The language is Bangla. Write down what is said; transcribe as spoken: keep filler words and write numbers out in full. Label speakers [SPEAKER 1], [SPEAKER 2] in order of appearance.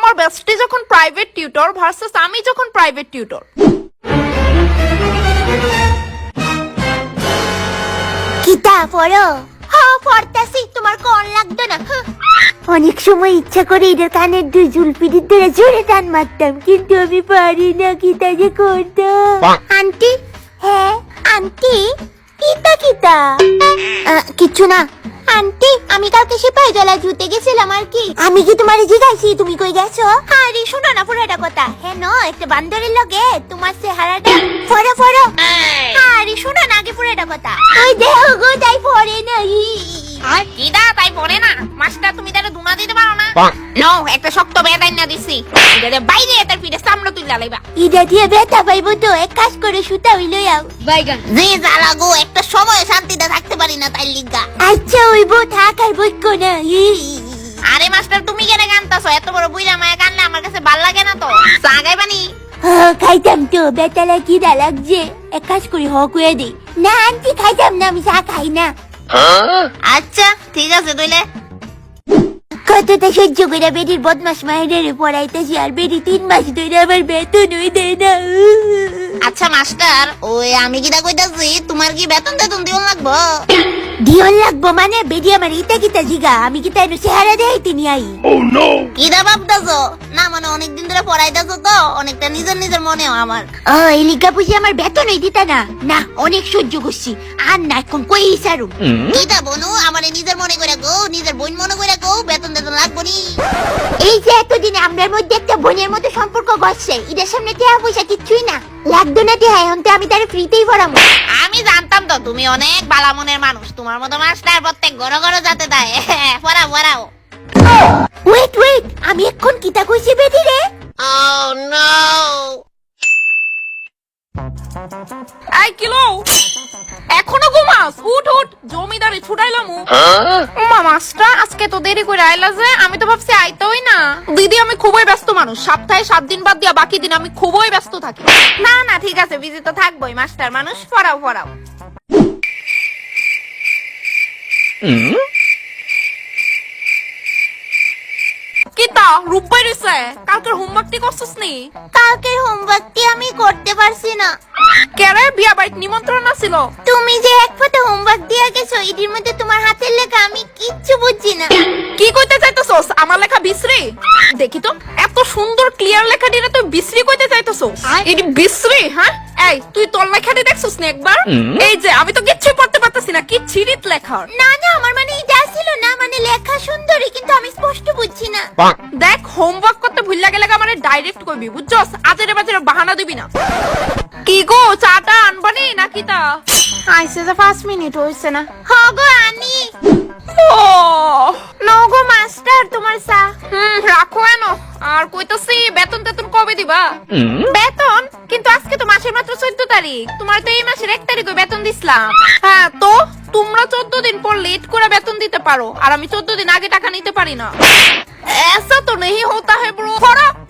[SPEAKER 1] তোমার বেস্টি যখন প্রাইভেট টিউটর ভার্সেস আমি যখন প্রাইভেট টিউটর।
[SPEAKER 2] কিতা পড়ো? হ্যাঁ পড়তাছি, তোমার কোন লাগতো না? অনেক সময় ইচ্ছা করে এদের কানের দুই জুলপিটির ধরে জোরে টান মারতাম, কিন্তু আমি পারি না। কিতা যে করতাম। আন্টি, হ্যাঁ আন্টি। কিতা কিতা? কিচ্ছু না আন্টি, আমি কালকে সিপাহী জলা জুতে গেছিলাম আর কি। আমি কি তোমারে জিজ্ঞাসি তুমি কই গেছো? আরে শোনো না পুরোটা কথা। হ্যাঁ ন একটা বান্দরের লগে তোমার চেহারাটা ফড়ো ফড়ো। আরে শোনো না আগে পুরোটা কথা। ওই দেহ গো তাই পড়ে না।
[SPEAKER 1] আর কিডা তাই পড়ে না? মাস্টার তুমি তারে দুনা দিতে পারো না? নো, একটা শক্ত বেদাই না দিছি, এটা বাইরে তার পিঠে সামনে তুইলা লাইবা।
[SPEAKER 2] ইদা দিয়ে ব্যথা পাইবো তো, এক কাজ করে সুতা হইল যাও।
[SPEAKER 1] বাইগান
[SPEAKER 2] জি জ্বালা গো, একটা সময় শান্তিতে থাকতে পারি না তাই লিগা। আচ্ছা হইবো, থাক আর বইকো না।
[SPEAKER 1] আরে মাস্টার তুমি কেন গানতাছো? এত বড় বুইরা মায়া গানলে আমার কাছে ভাল লাগে না তো। চা গাইবানি?
[SPEAKER 2] খাইতাম তো, বেটা লাগি দা লাগছে। এক কাজ করি হক হয়ে দিই। না আন্টি খাইতাম না, আমি চা খাই না।
[SPEAKER 1] আচ্ছা ঠিক আছে তুইলে।
[SPEAKER 2] কতটা সহ্য করে বেরির বদমাস মায়ের পড়াইতেছি, আর বেরি তিন মাস ধরে আমার বেতন হই দেয় না।
[SPEAKER 1] আচ্ছা মাস্টার, ওই আমি কিটা কইতাছি, তোমার কি বেতন টেতন দিও লাগবো?
[SPEAKER 2] দিয়ন লাগবো মানে? বেরি আমার ইটা কিতা জিগা, আমি কিতা এনে চেহারা দেখাইতে নি আই।
[SPEAKER 1] কিটা ভাবতাছো? না মানে অনেকদিন ধরে পড়াইতাছো তো, অনেকটা নিজের নিজের মনে হয় আমার।
[SPEAKER 2] ও এই লিগা বুঝি আমার বেতন হই দিতা না? না অনেক সহ্য করছি, আর না এখন কই সারু।
[SPEAKER 1] কিটা বনু আমারে নিজের মনে করে গো, নিজের বোন মনে করে গো, বেতন টেতন লাগবো নি?
[SPEAKER 2] এই যে এতদিনে আমরার মধ্যে একটা বোনের মতো সম্পর্ক গড়ছে, এটার সামনে টেহা পয়সা কিচ্ছুই না। লাগতো না টেহা, এখন তো আমি তারে ফ্রিতেই পড়াবো।
[SPEAKER 1] আমি জানতাম তো তুমি অনেক বালা মনের মানুষ, তোমার মতো মাস্টার প্রত্যেক ঘর ঘর যাতে দেয়। পড়াও পড়াও।
[SPEAKER 2] ওয়েট ওয়েট, আমি এখন কিতা কইছি বেটি রে?
[SPEAKER 1] Oh no! এই কিলো, এখনো ঘুমাস? উঠ উঠ, জমিদারি ছুটাইলাম। মা মাস্টার আজকে তো দেরি করে আইলা যে, আমি তো ভাবছি আইতোই না। দিদি আমি খুবই ব্যস্ত মানুষ, সপ্তাহে সাত দিন বাদ দিয়া বাকি দিন আমি খুবই ব্যস্ত থাকি। না না ঠিক আছে, বিজি তো থাকবোই, মাস্টার মানুষ। পড়াও পড়াও। কিতা রূপবাই রইছে? কালকের হোমওয়ার্কটি করছস নি?
[SPEAKER 2] কালকের হোমওয়ার্কটি আমি করতে পারছি না।
[SPEAKER 1] কেরে বিয়া বাড়িতে নিমন্ত্রণ আছিল?
[SPEAKER 2] তুমি যে এক ফটো হোমওয়ার্ক দিয়া গেছো, এটির মধ্যে তোমার হাতের লেখা আমি কিচ্ছু বুঝছি না।
[SPEAKER 1] কি কইতে চাইতেছস? আমার লেখা বিশ্রী? দেখি তো, এত সুন্দর ক্লিয়ার লেখা দিলে তুই বিশ্রী কইতে চাইতেছস? এটি বিশ্রী? হ্যাঁ এই তুই তোর লেখাটি দেখছস না একবার? এই যে আমি তো কিচ্ছু পড়তে পারতাছি না, কি ছিরিত লেখা।
[SPEAKER 2] না না আমার মানে এটা ছিল না, মানে লেখা সুন্দরই কিন্তু আমি স্পষ্ট বুঝছি না।
[SPEAKER 1] দেখ হোমওয়ার্ক করতে ভুল লাগে লাগে মানে ডাইরেক্ট কইবি, বুঝছস? আজেরে বাজেরে বাহানা দিবি না। কি গো চাটা আনবানি নাকি? তা আইছে যে পাঁচ মিনিট হইছে না।
[SPEAKER 2] হ্যাঁ গো আনি।
[SPEAKER 1] ও
[SPEAKER 2] নাও গো মাস্টার তোমার চা।
[SPEAKER 1] হুম রাখো এনো। আর কইতাছি বেতন তেতন কবে দিবা? বেতন? কিন্তু আজকে তো মাসের মাত্র চোদ্দ তারিখ, তোমার তো এই মাসের এক তারিখে বেতন দিছিলাম। হ্যাঁ তো তোমরা চোদ্দ দিন পর লেট করে বেতন দিতে পারো, আর আমি চোদ্দ দিন আগে টাকা নিতে পারি না। ऐसा तो नहीं होता है ब्रो।